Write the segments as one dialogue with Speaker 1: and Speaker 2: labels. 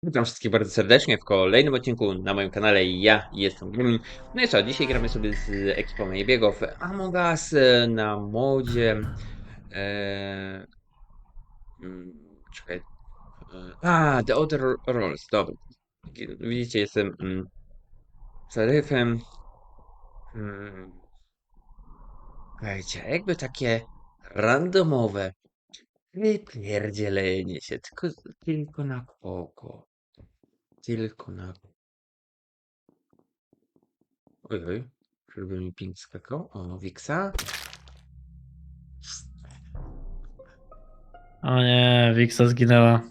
Speaker 1: Witam wszystkich bardzo serdecznie w kolejnym odcinku na moim kanale. Ja jestem Gremlin. No i co, dzisiaj gramy sobie z ekipą Ejbiego w Among Us na modzie. E, czekaj. The Other Roles. Dobra. Widzicie, jestem szeryfem. Mm, Słuchajcie, jakby takie randomowe wypierdzielenie się, tylko na oko. Tylko na Oj, oj. Żeby mi ping skakał. O, Wiksa.
Speaker 2: O nie, Wiksa zginęła.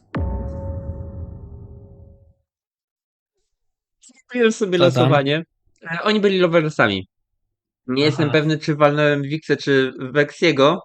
Speaker 1: Zrobiłem sobie
Speaker 2: Co tam?
Speaker 1: losowanie. Oni byli loversami. Nie jestem
Speaker 2: Aha.
Speaker 1: pewny, czy walnąłem Wiksę, czy Weksiego.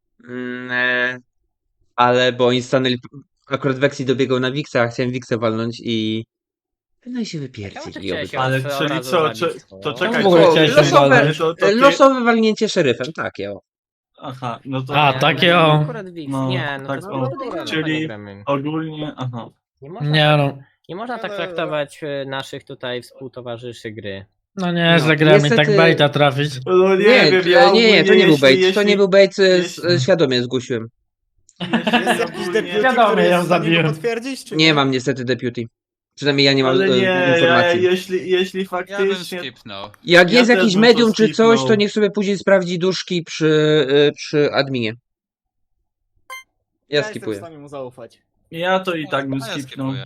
Speaker 1: Ale bo oni stanęli. Akurat Weksi dobiegał na Wiksa, a chciałem Wiksę walnąć i. No i się
Speaker 3: Czemu
Speaker 1: wypierdzili
Speaker 3: ty chciałeś
Speaker 1: obydwa.
Speaker 3: ją
Speaker 4: Ale
Speaker 3: od
Speaker 4: czyli
Speaker 3: razu
Speaker 4: co,
Speaker 3: zabić?
Speaker 4: to
Speaker 3: O.
Speaker 4: czekaj,
Speaker 2: w ogóle
Speaker 4: co?
Speaker 2: chciałeś ją
Speaker 1: losowe,
Speaker 2: walnąć?
Speaker 1: losowe walnięcie szeryfem, takie o.
Speaker 4: Aha, no to
Speaker 2: A,
Speaker 3: Nie,
Speaker 2: takie
Speaker 3: no,
Speaker 2: o.
Speaker 3: akurat Wix.
Speaker 4: No,
Speaker 3: Nie, no
Speaker 4: tak,
Speaker 3: to
Speaker 4: o.
Speaker 3: jest podejrzane,
Speaker 4: Czyli-
Speaker 3: panie Gremlin.
Speaker 4: ogólnie, aha.
Speaker 3: Nie można,
Speaker 2: Nie
Speaker 3: tak,
Speaker 2: no.
Speaker 3: nie można tak traktować naszych tutaj współtowarzyszy gry.
Speaker 2: No nie,
Speaker 1: No,
Speaker 2: że gramy
Speaker 1: niestety-
Speaker 2: tak baita trafić.
Speaker 4: No nie,
Speaker 1: Nie,
Speaker 4: wiem, ja
Speaker 1: nie, to nie był bait.
Speaker 4: jeśli,
Speaker 1: To nie był bait,
Speaker 4: jeśli-
Speaker 1: świadomie zgłosiłem.
Speaker 5: Jest jakiś
Speaker 4: ogólnie-
Speaker 5: deputy,
Speaker 2: Wiadomo,
Speaker 5: który
Speaker 2: ja
Speaker 5: jest w stanie
Speaker 2: zabiłem.
Speaker 5: go potwierdzić, czy
Speaker 1: Nie mam niestety deputy. Przynajmniej ja nie mam
Speaker 4: Ale nie, ja,
Speaker 1: informacji.
Speaker 4: jeśli
Speaker 6: Ja bym
Speaker 4: faktycznie...
Speaker 6: skipnął.
Speaker 1: Jak
Speaker 4: Ja
Speaker 1: jest
Speaker 4: też
Speaker 1: jakiś
Speaker 4: bym
Speaker 1: medium
Speaker 4: to
Speaker 1: czy coś, to
Speaker 4: skipnął.
Speaker 1: niech sobie później sprawdzi duszki przy adminie. Ja
Speaker 5: jestem w
Speaker 1: skipuję.
Speaker 5: stanie mu zaufać.
Speaker 4: Ja to i tak bym
Speaker 6: A ja
Speaker 4: skipnął.
Speaker 6: skipuję.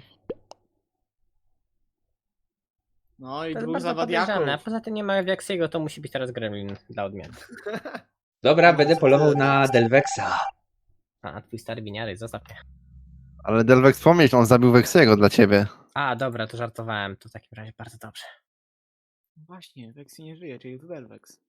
Speaker 5: No i
Speaker 3: To jest
Speaker 5: dwóch
Speaker 3: bardzo
Speaker 5: zawadiaków.
Speaker 3: podejrzane, a poza tym nie ma Wixiego, to musi być teraz Gremlin dla odmiany.
Speaker 1: Dobra, będę polował na Delvexa.
Speaker 3: A, twój stary winiary, zostaw mnie.
Speaker 7: Ale Delvex wspomnieć, on zabił Weksiego dla ciebie.
Speaker 3: A, dobra, to żartowałem, to w takim razie bardzo dobrze.
Speaker 5: Właśnie, Vexy nie żyje, czyli to Delvex.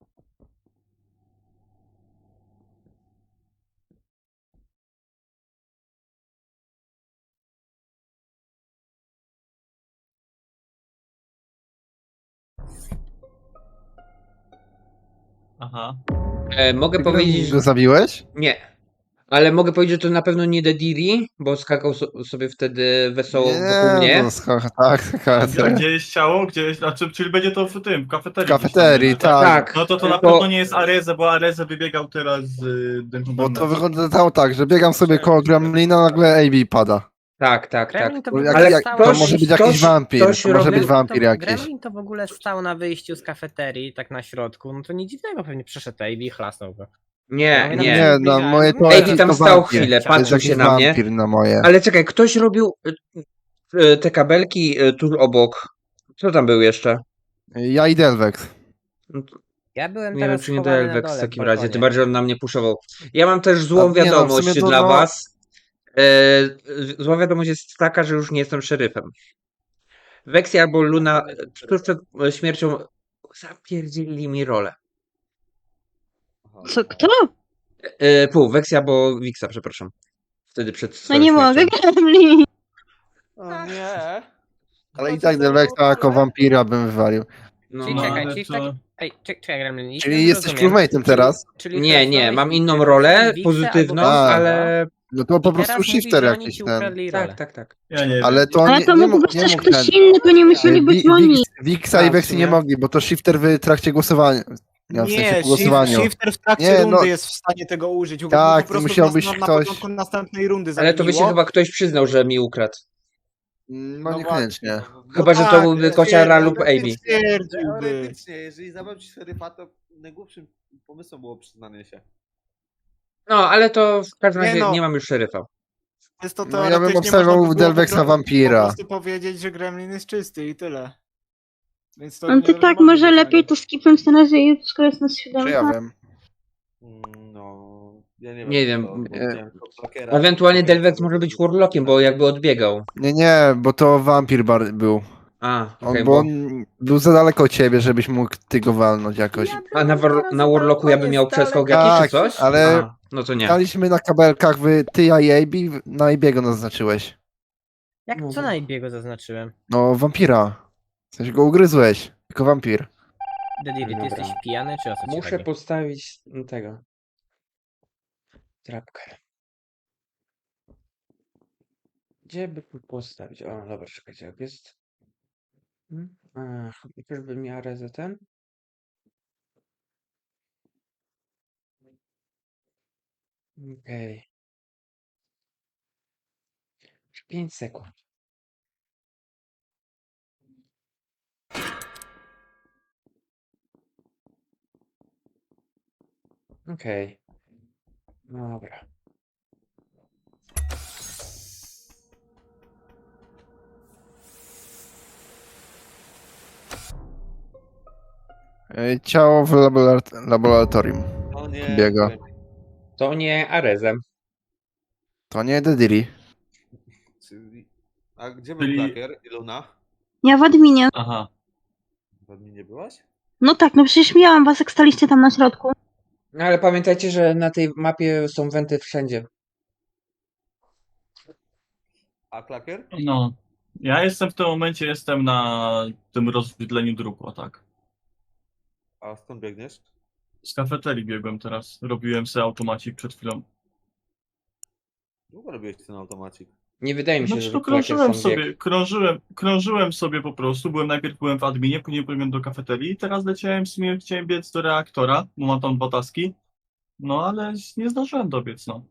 Speaker 4: Aha.
Speaker 1: Mogę powiedzieć,
Speaker 7: Go zabiłeś?
Speaker 1: nie. Ale mogę powiedzieć, że to na pewno nie Dediri, bo skakał sobie wtedy wesoło wokół mnie.
Speaker 7: No, tak,
Speaker 4: A gdzie jest ciało? Gdzie jest, czyli będzie to w tym, w kafeterii.
Speaker 7: w kafeterii,
Speaker 4: gdzieś tam,
Speaker 7: tak.
Speaker 1: Tak.
Speaker 4: No to na
Speaker 1: Bo-
Speaker 4: pewno nie jest Areze, bo Areze wybiegał teraz z
Speaker 7: Bo to wyglądało tak, że biegam sobie koło Gremlina, nagle AB pada.
Speaker 1: Tak, tak, tak.
Speaker 3: Gremlin to w
Speaker 7: Bo
Speaker 3: ogóle
Speaker 1: Ale
Speaker 7: jak,
Speaker 3: stał
Speaker 7: to
Speaker 1: ktoś-
Speaker 7: może być
Speaker 1: ktoś-
Speaker 7: jakiś wampir,
Speaker 1: ktoś
Speaker 7: to może
Speaker 1: robił-
Speaker 7: być wampir jakiś.
Speaker 3: Gremlin to w ogóle stał na wyjściu z kafeterii, tak na środku, no to nic dziwnego, pewnie przyszedł Ave i chlasnął go.
Speaker 1: Nie, nie.
Speaker 7: Nie, no moje to
Speaker 1: AB
Speaker 7: jest
Speaker 1: tam
Speaker 7: to
Speaker 1: stał
Speaker 7: wampir.
Speaker 1: chwilę,
Speaker 7: To jest
Speaker 1: patrzył
Speaker 7: jakiś
Speaker 1: się na mnie.
Speaker 7: wampir na moje.
Speaker 1: Ale czekaj, ktoś robił te kabelki tu obok. Co tam był jeszcze?
Speaker 7: Ja i Delvex.
Speaker 3: Ja byłem
Speaker 1: Nie wiem,
Speaker 3: teraz
Speaker 1: czy nie
Speaker 3: schowany na
Speaker 1: Delvex
Speaker 3: dole
Speaker 1: w takim
Speaker 3: w
Speaker 1: razie,
Speaker 3: balkonie.
Speaker 1: tym bardziej, że on na mnie puszował. Ja mam też złą
Speaker 7: A nie, no, w
Speaker 1: wiadomość
Speaker 7: sumie to
Speaker 1: dla
Speaker 7: no-
Speaker 1: was. Zła wiadomość jest taka, że już nie jestem szeryfem. Weksy albo Luna tuż przed śmiercią zapierdzielili mi rolę.
Speaker 8: Co, kto?
Speaker 1: Weksy albo Wiksa, przepraszam. Wtedy przed
Speaker 8: No
Speaker 1: swoją
Speaker 8: nie
Speaker 1: śmiercią.
Speaker 8: mogę, Gremlin.
Speaker 5: O nie.
Speaker 7: Ale i tak Delvexa jako wampira bym wywalił.
Speaker 1: No.
Speaker 3: Czyli
Speaker 4: No,
Speaker 3: czekaj,
Speaker 4: ale
Speaker 3: czyli w
Speaker 4: to-
Speaker 3: takim... Ej, czekaj Gremlin. jeśli
Speaker 7: Czyli
Speaker 3: dobrze
Speaker 7: jesteś
Speaker 3: rozumiem,
Speaker 7: crewmate'em teraz?
Speaker 3: czyli
Speaker 1: Nie,
Speaker 3: teraz
Speaker 1: nie,
Speaker 3: dałeś
Speaker 1: mam
Speaker 3: mi
Speaker 1: inną
Speaker 3: Wixę
Speaker 1: rolę,
Speaker 3: albo
Speaker 1: pozytywną,
Speaker 3: Wixę,
Speaker 1: ale...
Speaker 7: No to po
Speaker 3: I teraz
Speaker 7: prostu
Speaker 3: mówisz,
Speaker 7: shifter
Speaker 3: że oni
Speaker 7: jakiś
Speaker 3: ci
Speaker 7: ten.
Speaker 3: ukradli rolę.
Speaker 1: Tak, tak, tak.
Speaker 4: Ja nie
Speaker 7: Ale
Speaker 4: wiem.
Speaker 7: to
Speaker 8: Ale
Speaker 7: nie,
Speaker 8: to
Speaker 7: nie
Speaker 8: mógł
Speaker 7: mógł,
Speaker 8: być
Speaker 7: nie
Speaker 8: też
Speaker 7: mógł
Speaker 8: ktoś
Speaker 7: ten.
Speaker 8: inny, to nie musieli być oni.
Speaker 7: Wiksa i
Speaker 1: A, w
Speaker 7: Weksy
Speaker 1: sumie.
Speaker 7: nie mogli, bo to shifter w trakcie głosowania. Ja w sensie
Speaker 5: Nie,
Speaker 7: po głosowaniu.
Speaker 5: shifter w trakcie
Speaker 7: Nie,
Speaker 5: rundy
Speaker 7: no-
Speaker 5: jest w stanie tego użyć. Go
Speaker 7: Tak,
Speaker 5: po prostu
Speaker 7: musiał być
Speaker 5: na
Speaker 7: ktoś-
Speaker 5: początku następnej rundy
Speaker 1: Ale to by się
Speaker 5: zabiło.
Speaker 1: chyba ktoś przyznał, że mi ukradł.
Speaker 7: No
Speaker 5: No
Speaker 7: niekoniecznie.
Speaker 1: Chyba, że to byłby Kociara lub
Speaker 5: Amy.
Speaker 1: Amy.
Speaker 5: Stwierdziłby.
Speaker 9: Teoretycznie, jeżeli zabrać szeryfa, to najgłupszym pomysłem było przyznanie się.
Speaker 1: No, ale to w każdym
Speaker 5: Nie
Speaker 1: razie
Speaker 5: no.
Speaker 1: nie mam już szeryfa.
Speaker 5: Jest to
Speaker 7: No, ja bym
Speaker 5: teoretycznie
Speaker 7: obstawiał
Speaker 5: można by było
Speaker 7: Delvexa
Speaker 5: po prostu-
Speaker 7: wampira.
Speaker 5: Po prostu powiedzieć, że Gremlin jest czysty i tyle. Więc to
Speaker 8: No to
Speaker 5: nie
Speaker 8: tak,
Speaker 5: mogli
Speaker 8: może
Speaker 5: być
Speaker 8: lepiej
Speaker 5: oni.
Speaker 8: to skipnąć na razie, skoro jest nas
Speaker 7: Czy ja
Speaker 8: siódemka.
Speaker 7: wiem?
Speaker 9: No, ja nie wiem.
Speaker 1: Nie wiem.
Speaker 9: bo widziałem Clockera.
Speaker 1: Ewentualnie Delvex może być Warlockiem, bo jakby odbiegał.
Speaker 7: Nie, bo to wampir był.
Speaker 1: A,
Speaker 7: On,
Speaker 1: okej,
Speaker 7: bo
Speaker 1: bo...
Speaker 7: on był za daleko od ciebie, żebyś mógł ty go walnąć jakoś.
Speaker 1: A na Warlocku ja bym miał przeskok jakiś
Speaker 7: Tak,
Speaker 1: czy coś?
Speaker 7: ale-
Speaker 1: A, no to nie.
Speaker 7: Staliśmy na kabelkach, ty i AB, na AB'ego naznaczyłeś.
Speaker 3: Jak co na Ibiego zaznaczyłem?
Speaker 7: No, wampira. W sensie go ugryzłeś, jako wampir.
Speaker 3: Dediri, ty
Speaker 1: Dobra.
Speaker 3: jesteś pijany, czy o co ci
Speaker 1: Muszę
Speaker 3: chodzi?
Speaker 1: postawić tego. Trapkę. Gdzie by tu postawić? O, dobra, czekajcie, jak jest. Czyżby miała ten? Okej. 5 sekund. Okej. Dobra.
Speaker 7: Ciało w laboratorium.
Speaker 9: O nie.
Speaker 7: Biega.
Speaker 1: To nie Arezem.
Speaker 7: To nie Dediri.
Speaker 9: A gdzie był
Speaker 4: Czyli-
Speaker 9: Klakier i Luna?
Speaker 8: Ja w adminie.
Speaker 4: Aha.
Speaker 9: Pewnie nie byłaś?
Speaker 8: No tak, no przecież miałam was, jak staliście tam na środku.
Speaker 1: No ale pamiętajcie, że na tej mapie są wenty wszędzie.
Speaker 9: A Klakier?
Speaker 4: No. Ja jestem w tym momencie, jestem na tym rozwidleniu dróg, o tak.
Speaker 9: A skąd biegniesz?
Speaker 4: Z kafeterii biegłem teraz. Robiłem sobie automacik przed chwilą.
Speaker 9: Długo robiłeś ten automacik.
Speaker 1: Nie wydaje mi się,
Speaker 4: Znaczy,
Speaker 1: że
Speaker 4: to
Speaker 1: Klakier
Speaker 4: krążyłem
Speaker 1: stąd biegł.
Speaker 4: sobie, krążyłem sobie po prostu. Najpierw byłem w adminie, później byłem do kafeterii i teraz leciałem w sumie, chciałem biec do reaktora, bo mam tam 2 taski. No ale nie zdążyłem dobiec, no.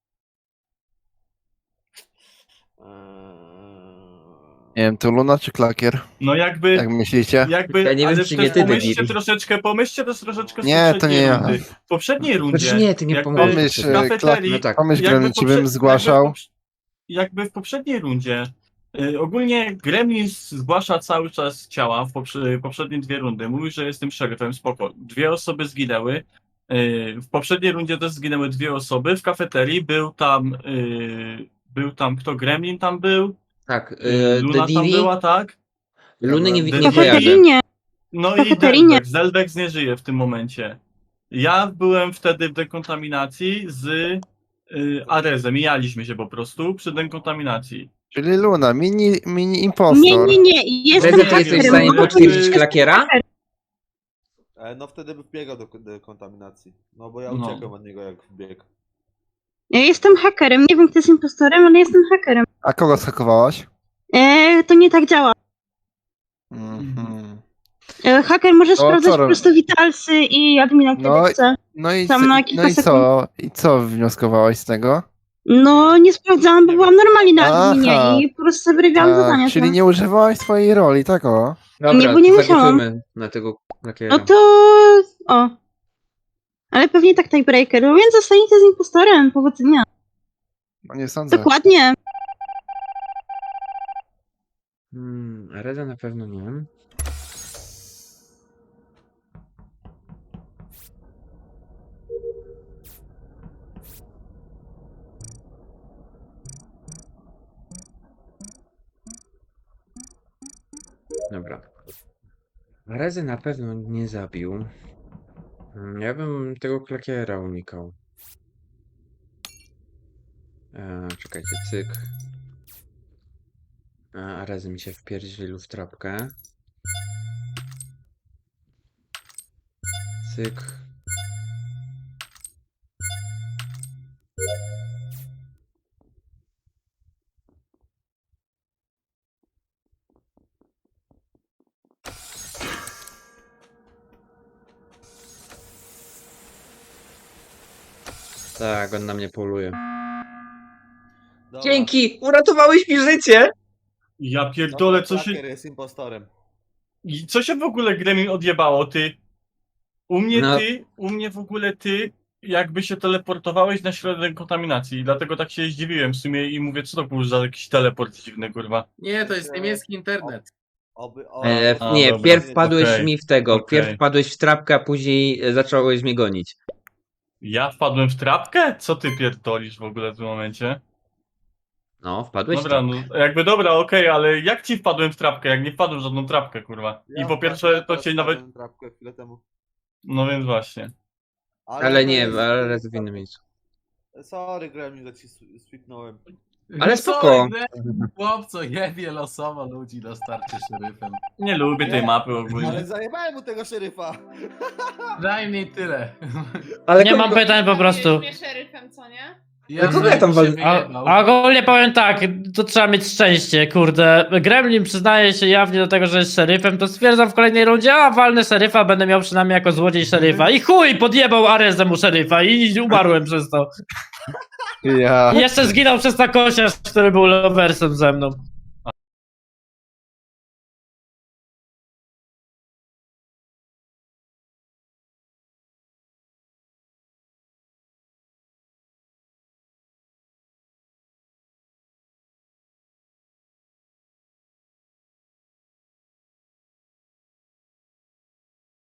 Speaker 7: Nie wiem, to Luna czy Klakier?
Speaker 4: No jakby,
Speaker 7: Jak myślicie?
Speaker 1: Ja nie wiem,
Speaker 4: ale
Speaker 1: czy
Speaker 4: też
Speaker 1: nie ty,
Speaker 4: pomyślcie
Speaker 1: Dediri.
Speaker 4: pomyślcie też troszeczkę z
Speaker 7: Nie, to
Speaker 4: poprzedniej
Speaker 7: nie ja.
Speaker 4: rundy. W poprzedniej rundzie,
Speaker 1: Znaczy nie, ty nie
Speaker 4: jakby
Speaker 1: pomyśl.
Speaker 7: Pomyśl,
Speaker 4: w kafeterii,
Speaker 1: No tak.
Speaker 7: Pomyśl,
Speaker 4: jakby
Speaker 7: Gremlin, ci bym zgłaszał.
Speaker 4: Jakby w poprzedniej rundzie, ogólnie Gremlin zgłasza cały czas ciała w poprzednie 2 rundy. Mówi, że jestem szeryfem, spoko. 2 osoby zginęły. W poprzedniej rundzie też zginęły 2 osoby. W kafeterii był tam kto? Gremlin tam był?
Speaker 1: Tak,
Speaker 4: Luna tam
Speaker 1: Dediri,
Speaker 4: była, tak?
Speaker 1: Luny nie,
Speaker 8: W
Speaker 1: nie
Speaker 4: Dediri.
Speaker 1: kojarzę.
Speaker 8: kafeterii nie.
Speaker 4: No i
Speaker 8: Kafeterii nie.
Speaker 4: Zelbex nie żyje w tym momencie. Ja byłem wtedy w dekontaminacji z Arezem. Mijaliśmy się po prostu przy dekontaminacji.
Speaker 7: Czyli Luna, mini impostor.
Speaker 8: Nie. Jestem
Speaker 1: Reze, ty jesteś w
Speaker 8: hakerem.
Speaker 1: stanie
Speaker 4: Hakerem.
Speaker 1: potwierdzić Klakiera?
Speaker 9: No wtedy by wbiegał do dekontaminacji. No bo ja
Speaker 4: No.
Speaker 9: uciekłem od niego jak wbiegł.
Speaker 8: Ja jestem hakerem. Nie wiem, kto jest impostorem, ale jestem hakerem.
Speaker 7: A kogo zhakowałaś?
Speaker 8: To nie tak działa.
Speaker 7: Mhm.
Speaker 8: Haker może
Speaker 7: co
Speaker 8: sprawdzać po
Speaker 7: rob-
Speaker 8: prostu witalsy i admina, kiedy
Speaker 7: No,
Speaker 8: chce.
Speaker 7: No i,
Speaker 8: Tam na kilka sekund.
Speaker 7: I co wnioskowałaś z tego?
Speaker 8: No, nie sprawdzałam, bo byłam normalnie na
Speaker 7: Aha.
Speaker 8: adminie i po prostu sobie robiłam zadania.
Speaker 7: czyli
Speaker 8: tam.
Speaker 7: nie używałaś swojej roli, tak o?
Speaker 1: Dobra,
Speaker 8: Nie, bo nie
Speaker 1: to
Speaker 8: musiałam.
Speaker 1: zagłosujmy na tego Klakiera.
Speaker 8: No to... O. Ale pewnie tak tiebreaker, no więc zostaniecie z impostorem. Powodzenia.
Speaker 7: No nie sądzę.
Speaker 8: Dokładnie.
Speaker 1: Reza na pewno nie. Dobra. Rezy na pewno nie zabił. Ja bym tego Klakiera unikał. Czekajcie, cyk. A Rezy mi się wpierdzielił w trapkę. Cyk. Tak, on na mnie poluje.
Speaker 9: Dobra.
Speaker 1: Dzięki! Uratowałeś mi życie!
Speaker 4: Ja
Speaker 9: No
Speaker 4: pierdolę,
Speaker 9: to
Speaker 4: co się...
Speaker 9: Klakier jest impostorem.
Speaker 4: Co się w ogóle Gremlin odjebało, ty? U
Speaker 1: No.
Speaker 4: mnie w ogóle ty jakby się teleportowałeś na środek kontaminacji. Dlatego tak się zdziwiłem w sumie i mówię, co to był za jakiś teleport dziwny, kurwa.
Speaker 6: Nie, to jest niemiecki internet.
Speaker 1: Nie,
Speaker 4: dobra.
Speaker 1: pierw wpadłeś
Speaker 4: Okej,
Speaker 1: mi w tego.
Speaker 4: okej.
Speaker 1: Pierw wpadłeś w trapkę, a później zacząłeś mnie gonić.
Speaker 4: Ja wpadłem w trapkę? Co ty pierdolisz w ogóle w tym momencie?
Speaker 1: No, wpadłeś
Speaker 4: Dobra,
Speaker 1: w
Speaker 4: no
Speaker 1: trapkę.
Speaker 4: jakby dobra, okej, ale jak ci wpadłem w trapkę, jak nie wpadłem w żadną trapkę, kurwa. I po pierwsze to cię nawet...
Speaker 9: Trapkę chwilę temu.
Speaker 4: No więc właśnie.
Speaker 1: Ale nie, ale raz w innym miejscu.
Speaker 9: Sorry Gremlin, że ci swipnąłem.
Speaker 1: Ale spoko.
Speaker 6: Chłopco, jebie losowo ludzi na starcie szeryfem.
Speaker 4: Nie lubię tej mapy
Speaker 9: Ale
Speaker 4: ogólnie.
Speaker 9: zajebałem mu tego szeryfa.
Speaker 6: Daj mi tyle.
Speaker 2: Nie mam pytań po prostu.
Speaker 10: mnie szeryfem, co nie?
Speaker 6: Ja
Speaker 1: kogo ja tam
Speaker 6: się
Speaker 1: wal-
Speaker 6: wyjebał.
Speaker 2: A ogólnie powiem tak, to trzeba mieć szczęście, kurde. Gremlin przyznaje się jawnie do tego, że jest szeryfem, to stwierdzam w kolejnej rundzie, a walnę szeryfa, będę miał przynajmniej jako złodziej szeryfa. I chuj, podjebał Arezę mu szeryfa i umarłem przez to.
Speaker 7: Ja.
Speaker 2: I jeszcze zginął przez takosiarz, który był loversem ze mną.